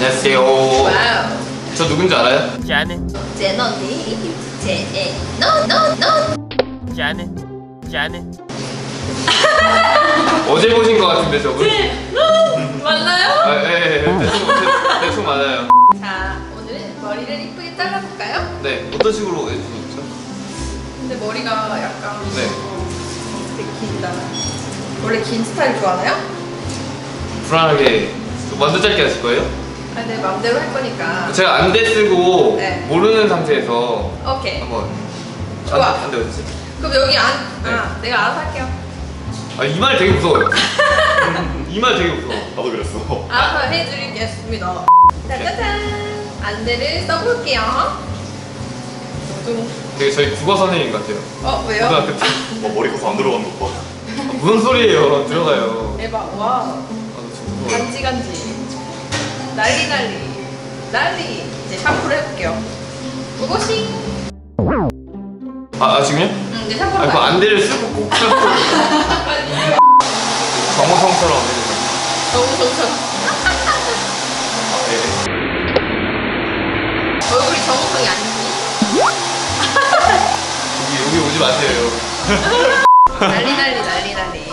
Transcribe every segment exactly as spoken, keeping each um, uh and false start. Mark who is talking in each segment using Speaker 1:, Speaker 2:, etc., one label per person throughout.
Speaker 1: 안녕하세요.
Speaker 2: 와우.
Speaker 1: 저 누군지 알아요?
Speaker 3: 자네
Speaker 2: 제너니 제너너
Speaker 3: 자네 자네
Speaker 1: 어제 보신 것 같은데 저분?
Speaker 2: 맞나요?
Speaker 1: 아, 예, 예, 예. 대충, 대, 대충 맞아요.
Speaker 2: 자, 오늘은 머리를 이쁘게 잘라볼까요?
Speaker 1: 네, 어떤 식으로 해주셨죠?
Speaker 2: 근데 머리가 약간
Speaker 1: 네.
Speaker 2: 되게 길다. 원래 긴 스타일 좋아하나요?
Speaker 1: 불안하게 완전 짧게 하실 거예요?
Speaker 2: 아니, 내 맘대로 할 거니까.
Speaker 1: 제가 안대 쓰고
Speaker 2: 네.
Speaker 1: 모르는 상태에서
Speaker 2: 오케이.
Speaker 1: 한번.
Speaker 2: 좋아.
Speaker 1: 안, 안대 어딨지?
Speaker 2: 그럼 여기 안,
Speaker 1: 네.
Speaker 2: 아, 내가 알아서 할게요.
Speaker 1: 아, 이 말 되게 무서워요. 이 말 되게 무서워.
Speaker 4: 나도 그랬어.
Speaker 2: 알아서 해드리겠습니다. 짜자잔. 안대를 써볼게요. 좀,
Speaker 1: 되게 저희 국어 선생님 같아요.
Speaker 2: 어, 왜요?
Speaker 1: 고등학교 때.
Speaker 4: 와, 머리 커서 안 들어간 거 봐.
Speaker 1: 아, 무슨 소리예요? 들어가요.
Speaker 2: 대박, 와.
Speaker 1: 아, 저 진짜 무서워요.
Speaker 2: 간지 간지. 난리 난리. 난리. 이제 샴푸를 해볼게요. 무고싱.
Speaker 1: 아, 아 지금요?
Speaker 2: 응, 이제 샴푸를
Speaker 1: 아, 그
Speaker 2: 봐요.
Speaker 1: 안대를 쓰고 꼭 쓰고 정우성처럼 해주세요.
Speaker 2: 너무 좋죠.
Speaker 1: 네.
Speaker 2: 얼굴이 정우성이 아니지.
Speaker 1: 여기, 여기 오지 마세요.
Speaker 2: 난리 난리 난리 난리.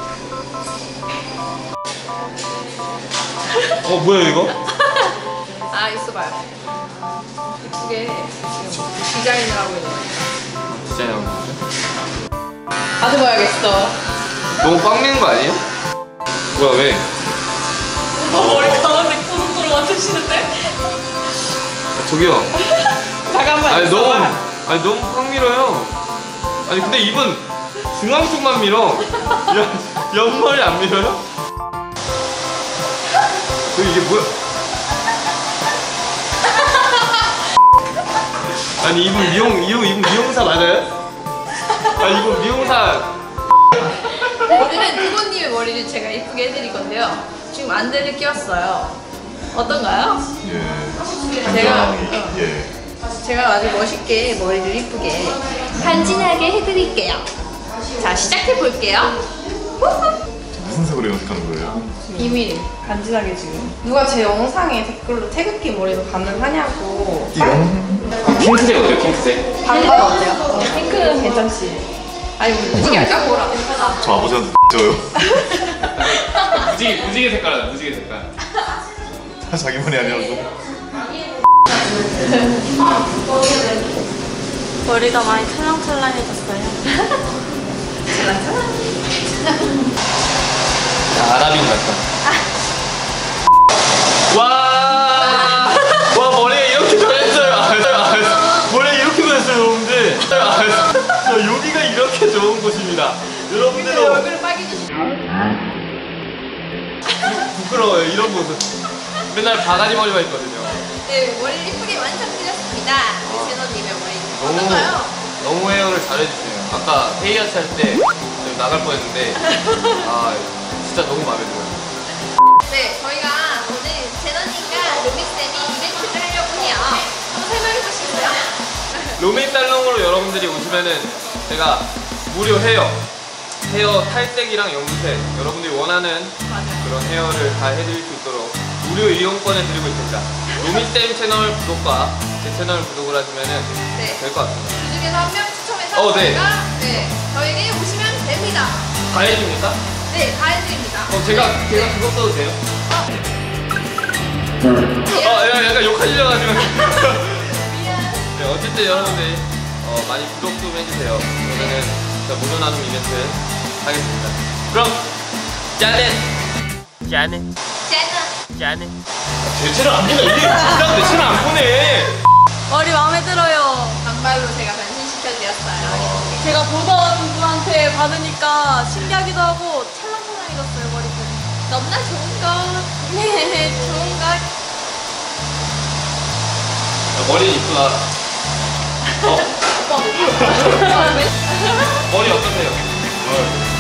Speaker 1: 어, 뭐야 이거?
Speaker 2: 아, 있어봐요. 이쁘게 지금 디자인을 하고 있는 거예요.
Speaker 1: 디자인 하는 거죠?
Speaker 2: 가져봐야겠어.
Speaker 1: 너무 꽉 미는 거 아니에요? 뭐야, 왜?
Speaker 2: 머리 가운데 고속도로 맞추시는데?
Speaker 1: 아, 저기요.
Speaker 2: 잠깐만.
Speaker 1: 아니, 너무,
Speaker 2: 있어봐.
Speaker 1: 아니, 너무 꽉 밀어요. 아니, 근데 입은 중앙 쪽만 밀어. 옆, 옆머리 안 밀어요? 저 이게 뭐야? 아니, 이분 미용, 이분, 이분 미용사 맞아요? 아, 이분 미용사.
Speaker 2: 오늘은 두고님의 머리를 제가 이쁘게 해드릴 건데요. 지금 안대를 끼웠어요. 어떤가요?
Speaker 4: 예.
Speaker 2: 제가
Speaker 4: 굉장히,
Speaker 2: 어,
Speaker 4: 예.
Speaker 2: 제가 아주 멋있게 머리를 이쁘게 간지나게 해드릴게요. 자, 시작해 볼게요.
Speaker 4: 무슨 색으로 염색하는 거예요?
Speaker 2: 비밀. 간지나게 지금. 누가 제 영상에 댓글로 태극기 머리도 가능하냐고.
Speaker 4: 이거?
Speaker 1: 핑크색 어때요, 핑크색?
Speaker 2: 반반 어때요? 어, 핑크는 괜찮지. 아니, 우리 무지개 할까? 뭐라.
Speaker 4: 저 아버지한테 줘요.
Speaker 1: 무지개, 무지개 색깔 하자, 무지개 색깔.
Speaker 4: 자기 머리 아니라고.
Speaker 5: 머리가 많이 찰랑찰랑해졌어요.
Speaker 1: 아랍인 같다. 와, 와 머리에 이렇게 변했어요. 아, 아, 머리에 이렇게 변했어요, 여러분들. 아, 저 여기가 이렇게 좋은 곳입니다. 여러분들도
Speaker 2: 얼굴을 빨개지시.
Speaker 1: 부끄러워요, 이런 모습. 맨날 바가지 머리만 있거든요.
Speaker 2: 네, 머리를 이쁘게 완성드렸습니다. 우리 제너님의 머리.
Speaker 1: 너무
Speaker 2: 어떤가요?
Speaker 1: 너무 헤어를 잘해주세요. 아까 헤이아치 할 때 나갈 뻔했는데 아 진짜 너무 마음에 들어요.
Speaker 2: 네, 저희가 오늘 제너님과 루미쌤이 이벤트를 하려고 해요. 한번 설명해 보시겠어요?
Speaker 1: 로메이 살롱으로 여러분들이 오시면은 제가 무료 헤어 헤어 탈색이랑 염색 여러분들이 원하는 그런 헤어를 다 해드릴 수 있도록 무료 이용권을 드리고 있습니다. 로미쌤 채널 구독과 제 채널 구독을 하시면은
Speaker 2: 네.
Speaker 1: 될 것 같습니다.
Speaker 2: 그 중에서 한 명 추첨해서
Speaker 1: 어, 네.
Speaker 2: 저희가 네, 저에게 오시면 됩니다.
Speaker 1: 다 해줍니까?
Speaker 2: 네, 다 해드립니다.
Speaker 1: 어 제가 제가 그거 써도 돼요?
Speaker 2: 예.
Speaker 1: 아 야, 약간 욕하시려가지고.
Speaker 2: 미안.
Speaker 1: 네, 어쨌든 여러분들 어, 많이 구독 좀 해주세요. 그러면은 제가 무료 나눔 이벤트 하겠습니다. 그럼 짜넷!
Speaker 3: 자네
Speaker 2: 제너.
Speaker 3: 자네
Speaker 1: 제 채널 안 보네. 이게 그냥 내 채널 안 보네.
Speaker 5: 머리 마음에 들어요.
Speaker 2: 단발로 제가 변신시켜드렸어요.
Speaker 5: 제가 보던 분한테 받으니까 신기하기도 하고 찰랑찰랑해졌어요, 머리가.
Speaker 2: 너무나 좋은 것. 네, 좋은 것.
Speaker 1: 야, 머리 이쁘다. 어,
Speaker 2: 오빠.
Speaker 1: 머리 어떠세요?